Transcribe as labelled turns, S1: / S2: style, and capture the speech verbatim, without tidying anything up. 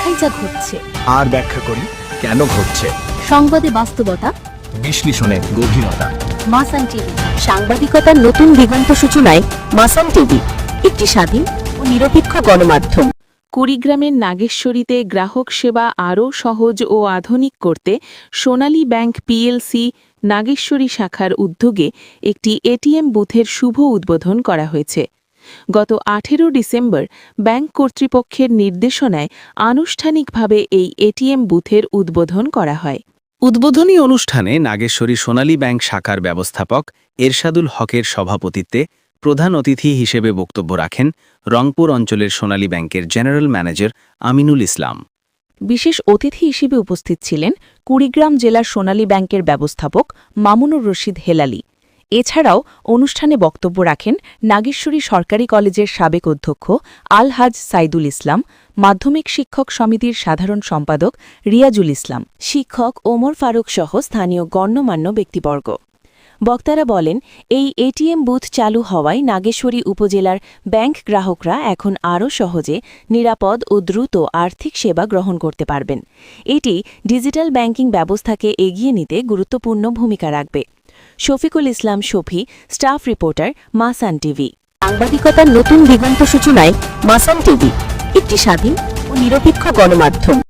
S1: দেখাই যা ঘটছে,
S2: আর ব্যাখ্যা করি কেন ঘটছে।
S1: সংবাদে বাস্তবতা,
S2: বিশ্লেষণে গভীরতা।
S1: মাসান টিভি, সাংবাদিকতার নতুন দিগন্ত সূচনায় মাসান টিভি, একটি স্বাধীন ও নিরপেক্ষ গণমাধ্যম।
S3: কুড়িগ্রামের নাগেশ্বরীতে গ্রাহক সেবা আরও সহজ ও আধুনিক করতে সোনালী ব্যাংক পিএলসি নাগেশ্বরী শাখার উদ্যোগে একটি এটিএম বুথের শুভ উদ্বোধন করা হয়েছে। গত আঠেরো ডিসেম্বর ব্যাংক কর্তৃপক্ষের নির্দেশনায় আনুষ্ঠানিকভাবে এই এটিএম বুথের উদ্বোধন করা হয়।
S4: উদ্বোধনী অনুষ্ঠানে নাগেশ্বরী সোনালী ব্যাংক শাখার ব্যবস্থাপক এরশাদুল হকের সভাপতিত্বে প্রধান অতিথি হিসেবে বক্তব্য রাখেন রংপুর অঞ্চলের সোনালী ব্যাংকের জেনারেল ম্যানেজার আমিনুল ইসলাম।
S3: বিশেষ অতিথি হিসেবে উপস্থিত ছিলেন কুড়িগ্রাম জেলার সোনালী ব্যাংকের ব্যবস্থাপক মামুনুর রশিদ হেলালি। এছাড়াও অনুষ্ঠানে বক্তব্য রাখেন নাগেশ্বরী সরকারি কলেজের সাবেক অধ্যক্ষ আলহাজ সাইদুল ইসলাম, মাধ্যমিক শিক্ষক সমিতির সাধারণ সম্পাদক রিয়াজুল ইসলাম, শিক্ষক ওমর ফারুক সহ স্থানীয় গণ্যমান্য ব্যক্তিবর্গ। বক্তারা বলেন, এই এটিএম বুথ চালু হওয়ায় নাগেশ্বরী উপজেলার ব্যাংক গ্রাহকরা এখন আরও সহজে, নিরাপদ ও দ্রুত আর্থিক সেবা গ্রহণ করতে পারবেন। এটি ডিজিটাল ব্যাংকিং ব্যবস্থাকে এগিয়ে নিতে গুরুত্বপূর্ণ ভূমিকা রাখবে। শফিকুল ইসলাম শফি, স্টাফ রিপোর্টার, মাসান টিভি।
S1: সাংবাদিকতার নতুন দিগন্ত সূচনায় মাসান টিভি, একটি স্বাধীন ও নিরপেক্ষ গণমাধ্যম।